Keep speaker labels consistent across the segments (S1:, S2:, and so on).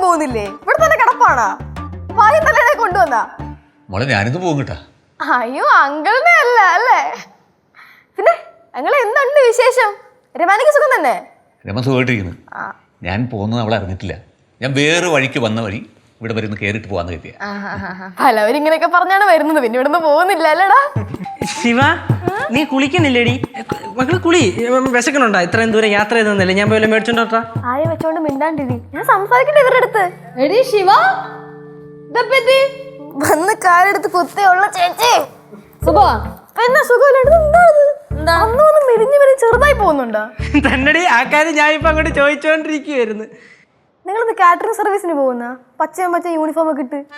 S1: പോകുന്നില്ലേ? ഇവിടെ തന്നെ കിടപ്പാണോ? വായും തന്നെ കൊണ്ടുവന്നാ
S2: മോളെ ഞാനിന്ന് പോകും കേട്ടാ.
S1: അയ്യോ അങ്കിളിനെ അല്ല അല്ലേ? പിന്നെ അങ്ങളെ എന്തുണ്ട് വിശേഷം? രമാനിക്ക് സുഖം തന്നെ?
S2: രമ സുഖമായിട്ടിരിക്കുന്നു. ഞാൻ പോകുന്നത് അവളെ അറിഞ്ഞിട്ടില്ല. ഞാൻ വേറെ വഴിക്ക് വന്ന വഴി ഇവിടെ വരുന്ന കയറിയിട്ട് പോകാന്ന് കരുതിയ.
S1: പലവരും ഇങ്ങനെയൊക്കെ പറഞ്ഞാണ് വരുന്നത്. പിന്നെ ഇവിടുന്ന് പോകുന്നില്ല അല്ലേടാ?
S3: ശിവ നീ കുളിക്കുന്നില്ലേടി? മക്കള് കുളി. വിശക്കണുണ്ടോ? ഇത്രയും ദൂരം യാത്ര ചെയ്തല്ലേ? ഞാൻ പോയി മേടിച്ചോണ്ടോട്ടാ.
S1: ആയ വെച്ചോണ്ട് മിണ്ടാണ്ടിരി. ഞാൻ സംസാരിക്കട്ടെ ഇവരുടെ അടുത്ത്. എടി ശിവ വന്ന് കാലെടുത്ത് കുത്തിയുള്ള ചേച്ചി പിന്നെ സുഖമില്ലാണ്ട് മെലിഞ്ഞു ചെറുതായി പോകുന്നുണ്ടോ?
S3: തന്നടി ആ കാര്യം ഞാൻ ഇപ്പൊ അങ്ങോട്ട് ചോദിച്ചോണ്ടിരിക്കുവായിരുന്നു.
S1: നിങ്ങളിന്ന് കാറ്ററിംഗ് സർവീസിന് പോകുന്ന പച്ചയും പച്ച യൂണിഫോം ഒക്കെ ഇട്ട്.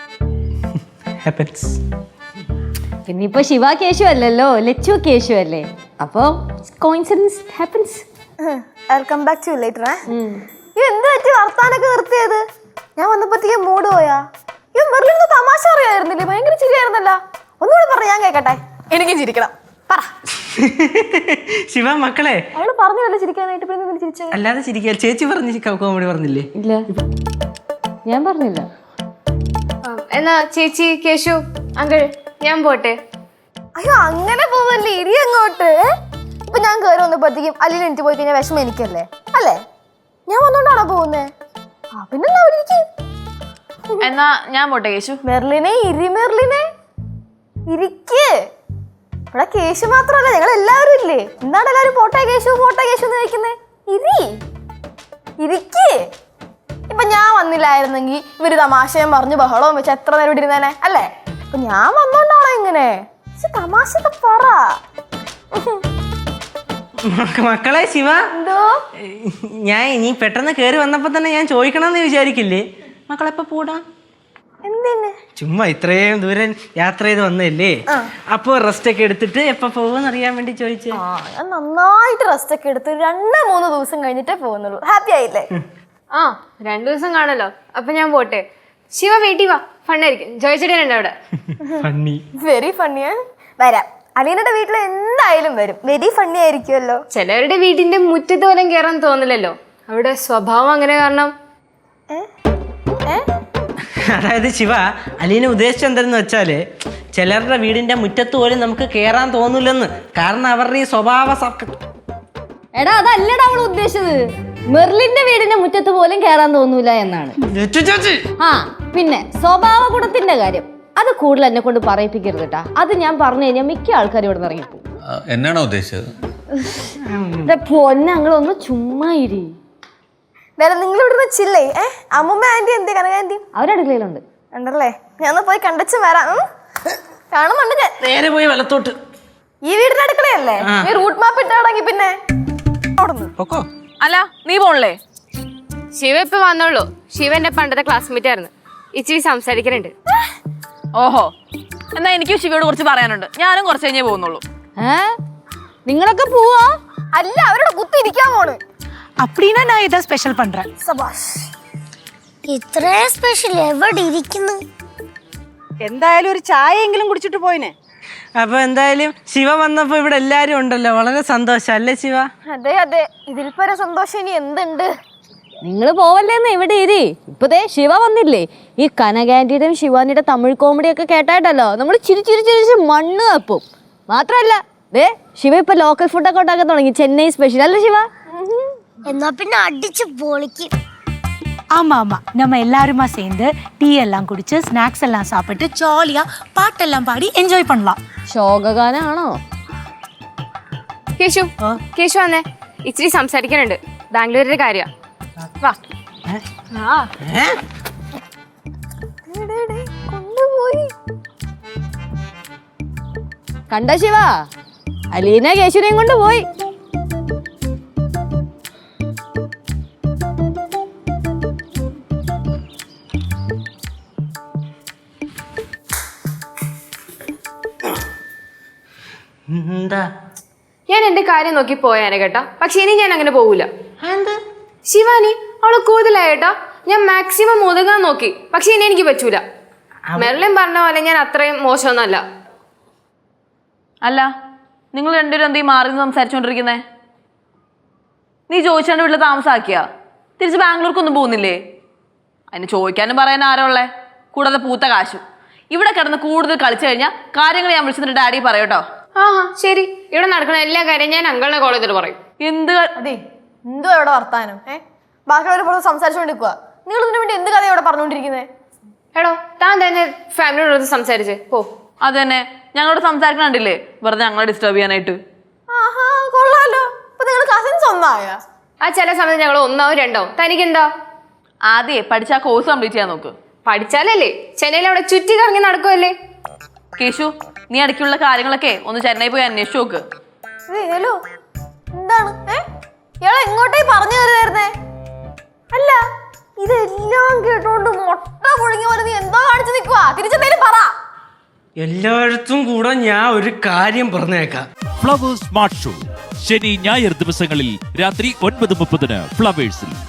S4: പിന്നെ ഇപ്പൊ ശിവ കേശു അല്ലല്ലോ, ലച്ചു കേശു അല്ലേ? അപ്പൊ coincidence happens.
S1: I'll come back to you later. എന്ത് പറ്റി വർത്താനൊക്കെ നിർത്തിയത്? ഞാൻ വന്നപ്പോഴത്തേക്ക് മൂഡ് പോയാ? മെർലിന് തമാശ അറിയായിരുന്നില്ലേ? ഭയങ്കര ചിരിയായിരുന്നല്ലോ. ഒന്നുകൂടെ പറ, ഞാൻ കേക്കട്ടെ. എനിക്കും ചിരിക്കണം. പറ
S3: ശിവ മക്കളെ.
S1: അവള് പറഞ്ഞല്ലോ ചിരിക്കാനായിട്ട്. ചിരിച്ച
S3: അല്ലാതെ ചിരിക്കാൻ ചേച്ചി പറഞ്ഞു കോമഡി പറഞ്ഞില്ലേ?
S4: ഇല്ല ഞാൻ പറഞ്ഞില്ല.
S5: എന്നാ ചേച്ചി കേശു അങ്കിൾ ഞാൻ പോട്ടെ.
S1: അയ്യോ അങ്ങനെ പോവല്ലേ, ഇരി അങ്ങോട്ട്. ഇപ്പൊ ഞാൻ കയറി വന്നപ്പോഴത്തേക്കും അല്ലിന് എനിക്ക് പോയി കഴിഞ്ഞാൽ വിഷമം എനിക്കല്ലേ അല്ലേ? ഞാൻ വന്നോണ്ടാണോ പോകുന്നേ? പിന്നെന്താ
S5: എന്നാ ഞാൻ പോട്ടെ കേശു.
S1: മെർലിനെ ഇരി, മെർലിനെ ഇരിക്ക്. ഇവിടെ കേശു മാത്രല്ല, ഞങ്ങൾ എല്ലാവരും ഇല്ലേ? എന്താണ് എല്ലാവരും പോട്ടെ കേശു പോട്ടെ കേശു എന്ന് കഴിക്കുന്നേ? ഇരി ഇരിക്ക്. ഇപ്പൊ ഞാൻ വന്നില്ലായിരുന്നെങ്കിൽ ഇവര് തമാശയും പറഞ്ഞു ബഹളവും വെച്ച് എത്ര നേരം ഇവിടെ ഇരുന്നേനെ അല്ലേ? അപ്പൊ ഞാൻ വന്നോണ്ടാണോ ഇങ്ങനെ? തമാശ പറ.
S3: മക്കളെ ശിവ,
S1: എന്തോ
S3: ഞാൻ ഇനി പെട്ടെന്ന് കേറി വന്നപ്പോ തന്നെ ഞാൻ ചോദിക്കണമെന്ന് വിചാരിക്കില്ലേ? മക്കളെപ്പോ പോടാ?
S1: എന്തിന്?
S3: ചുമ്മാ ഇത്രയും ദൂരം യാത്ര ചെയ്ത് വന്നല്ലേ, അപ്പൊ റെസ്റ്റ് ഒക്കെ എടുത്തിട്ട് എപ്പോ പോകുമെന്ന് അറിയാൻ വേണ്ടി ചോദിച്ചേ.
S1: ഞാൻ നന്നായിട്ട് റെസ്റ്റ് ഒക്കെ എടുത്ത് 2-3 ദിവസം കഴിഞ്ഞിട്ടേ പോകുന്നുള്ളൂ. ഹാപ്പി ആയില്ലേ?
S5: 2 ദിവസം കാണല്ലോ. അപ്പൊ ഞാൻ പോട്ടെ. ശിവ വീട്ടിൽ വാ, ഫണ്ണായിരിക്കും. ജോയിച്ചേട്ടനുണ്ട് അവിടെ.
S1: വെരി ഫണ്ണിയാ. വരാം. അലീനയുടെ വീട്ടിൽ എന്തായാലും വരും. വെരി ഫണ്ണി ആയിരിക്കുമല്ലോ.
S5: ചിലവരുടെ വീടിന്റെ മുറ്റത്ത് പോലും കയറാൻ തോന്നില്ലല്ലോ. അവിടെ സ്വഭാവം അങ്ങനെ കാരണം.
S3: അതായത് ശിവ, അലീന ഉദ്ദേശിച്ചത് എന്തെന്ന് വെച്ചാല് ചിലരുടെ വീടിന്റെ മുറ്റത്ത് പോലും നമുക്ക് കേറാൻ തോന്നില്ലെന്ന്. കാരണം അവരുടെ ഈ സ്വഭാവ.
S4: എടാ അതല്ലടാ അവൾ ഉദ്ദേശിച്ചത്. മെർലിന്റെ വീടിന്റെ മുറ്റത്ത് പോലും കേറാൻ തോന്നൂല എന്നാണ്. പിന്നെ സ്വഭാവ ഗുണത്തിന്റെ കാര്യം അത് കൂടുതൽ എന്നെ കൊണ്ട് പറയിപ്പിക്കരുത് കേട്ടാ. അത് ഞാൻ പറഞ്ഞു കഴിഞ്ഞാൽ മിക്ക ആൾക്കാരും ഇവിടെ നിന്ന് ഇറങ്ങിപ്പോകും.
S2: എന്നാണോ ഉദ്ദേശിച്ചത്?
S4: പൊന്നങ്ങളൊന്ന് ചുമ്മാ ഇരി.
S1: നിങ്ങൾ ഇവിടെ ചില്ലേ? അമ്മൂമ്മ ആന്റി എന്തേ? കനകാന്റി
S4: അവരടുക്കളയിലുണ്ട്
S1: ഉണ്ടല്ലേ? ഞാൻ പോയി കണ്ടച്ചു വരാം. കാണുന്നുണ്ട് ഞാൻ.
S3: നേരെ പോയി വലത്തോട്ട്.
S1: ഈ വീടിന്റെ അടുക്കളയല്ലേ? നീ റൂട്ട് മാപ്പ് ഇട്ടാണെങ്കിൽ പിന്നെ
S5: അല്ല നീ പോണല്ലേ? ശിവ ഇപ്പൊ വന്നോളൂ. ശിവ എന്റെ പണ്ടത്തെ ക്ലാസ്മേറ്റ് ആയിരുന്നു. ഇച്ചിരി സംസാരിക്കാനുണ്ട്.
S6: ഓഹോ, എന്നാ എനിക്കും ശിവയോട് കുറച്ച് പറയാനുണ്ട്. ഞാനും കുറച്ച് കഴിഞ്ഞേ പോകുന്നുള്ളൂ.
S4: നിങ്ങളൊക്കെ പോവാ?
S1: അല്ല, അവരോട് കുത്തിരിക്കാൻ പോണ്.
S7: அப்படின்னா நான் ஏதாவது ஸ்பெஷல் பண்றேன்.
S1: സബാഷ്.
S8: ഇത്ര സ്പെഷ്യൽ എവിടെ ഇരിക്കുന്നു?
S7: എന്തായാലും ഒരു ചായയെങ്കിലും കുടിച്ചിട്ട് പോയിനെ.
S3: അപ്പൊ എന്തായാലും ശിവ വന്നപ്പോ ഇവിടെ എല്ലാരും ഉണ്ടല്ലോ, വളരെ സന്തോഷം അല്ലേ ശിവ?
S1: അതെ അതെ, ഇതിൽ പര സന്തോഷം ഇനി എന്തുണ്ട്?
S4: നിങ്ങൾ പോവല്ലേന്ന് ഇവിടെ ഇരി. ഇപ്പതേ ശിവ വന്നില്ലേ? ഈ കനകാന്റിയുടെയും ശിവാനിയുടെ തമിഴ് കോമഡിയൊക്കെ കേട്ടായിട്ടല്ലോ നമ്മൾ ചിരി ചിരി ചിരിച്ച് മണ്ണ് തപ്പും. മാത്രല്ല ദേ ശിവ ഇപ്പൊ ലോക്കൽ ഫുഡൊക്കെ ഉണ്ടാക്കാൻ തുടങ്ങി. ചെന്നൈ സ്പെഷ്യൽ അല്ലേ ശിവ?
S8: എന്നാ പിന്നെ അടിച്ച് പൊളിക്കും.
S7: ஆமா ஆமா, நம்ம எல்லாருமா சேர்ந்து டீ எல்லாம் குடிச்சு ஸ்நாக்ஸ் எல்லாம் சாப்பிட்டு ஜாலியா பாட்டெல்லாம் பாடி என்ஜாய் பண்ணலாம்.
S4: ശോകഗാനാണോ?
S5: കേശു കേശു വന്നേ, ഇച്ചിരി സംസാരിക്കാനുണ്ട്. ബാംഗ്ലൂരിന്റെ കാര്യം. വാ.
S1: കൊണ്ടുപോയി
S4: കണ്ട ശിവ, അലീന കേശുനെയും കൊണ്ട് പോയി.
S5: ഞാൻ എന്റെ കാര്യം നോക്കി പോയാനെ കേട്ടാ. പക്ഷെ ഇനി ഞാൻ അങ്ങനെ പോകൂല. ശിവാനി അവള് കൂടുതലായി കേട്ടാ. ഞാൻ മാക്സിമം ഒതുങ്ങാൻ നോക്കി, പക്ഷെ ഇനി എനിക്ക് പറ്റൂല. മെർലിൻ പറഞ്ഞ പോലെ ഞാൻ അത്രയും മോശമൊന്നുമല്ല.
S6: അല്ല, നിങ്ങൾ രണ്ടുപേരും എന്തീ മാറി നിന്ന് സംസാരിച്ചോണ്ടിരിക്കുന്നേ? നീ ചോദിച്ചാണ്ട് വീട്ടിൽ താമസാക്കിയാ? തിരിച്ച് ബാംഗ്ലൂർക്കൊന്നും പോകുന്നില്ലേ? അതിന് ചോദിക്കാനും പറയാൻ ആരോ ഉള്ളേ, കൂടാതെ പൂത്ത കാശും. ഇവിടെ കിടന്ന് കൂടുതൽ കളിച്ചു കഴിഞ്ഞാൽ കാര്യങ്ങൾ ഞാൻ വിളിച്ചിട്ട് ഡാഡി പറയൂട്ടോ.
S5: ആ ശരി, ഇവിടെ നടക്കുന്ന എല്ലാ കാര്യം ഞാൻ അങ്കിളിനെ കോൾ ചെയ്തിട്ട് പറയും.
S6: എന്ത്
S1: അതെ, എന്തോ ഇവിടെ വർത്താനം ബാക്കിയുള്ളവർ പുറത്ത് സംസാരിച്ചുകൊണ്ടിരിക്കുക. നിങ്ങൾ ഇതിനു വേണ്ടി എന്ത് കഥ ഇവിടെ പറഞ്ഞുകൊണ്ടിരിക്കുന്നത്?
S5: എടോ, താൻ തന്നെ ഫാമിലിയോട് സംസാരിച്ച് പോ.
S6: അത് തന്നെ, ഞങ്ങളോട് സംസാരിക്കണില്ലേ വെറുതെ ഞങ്ങളെ ഡിസ്റ്റർബ് ചെയ്യാനായിട്ട്.
S1: ആഹാ, കൊള്ളാലോ. അപ്പൊ നിങ്ങൾ കസിൻസ് ഒന്നായ?
S5: ആ ചില സമയത്ത് ഞങ്ങൾ ഒന്നാവും രണ്ടാവും. തനിക്കെന്താ?
S6: ആദ്യമേ പഠിച്ച ആ കോഴ്സ് കംപ്ലീറ്റ് ചെയ്യാൻ നോക്ക്.
S5: പഠിച്ചാലല്ലേ ചെന്നൈയിൽ അവിടെ ചുറ്റി കറങ്ങി നടക്കുമല്ലേ.
S6: കേശു, നീ ഇടയ്ക്കുള്ള കാര്യങ്ങളൊക്കെ ഒന്ന് ചെന്നൈ പോയി അന്വേഷിച്ചു നോക്ക്.
S1: ഹലോ, എന്താണ് ഇയാളെ എങ്ങോട്ടേ പറഞ്ഞു കയറുന്നേ? അല്ല, ഇതെല്ലാം കേട്ടോണ്ട് മുട്ട പുഴുങ്ങി പോലെ നീ എന്തോ കാണിച്ചു നിൽക്കുവാ? തിരിച്ചെന്തേലും പറ.
S3: എല്ലായിടത്തും കൂടെ ഞാൻ ഒരു കാര്യം പറഞ്ഞേക്കാം.
S9: ഫ്ലവേഴ്സ് സ്മാർട്ട് ഷോ ശനി ഞായർ ദിവസങ്ങളിൽ രാത്രി 9:30 ഫ്ലവേഴ്സിൽ.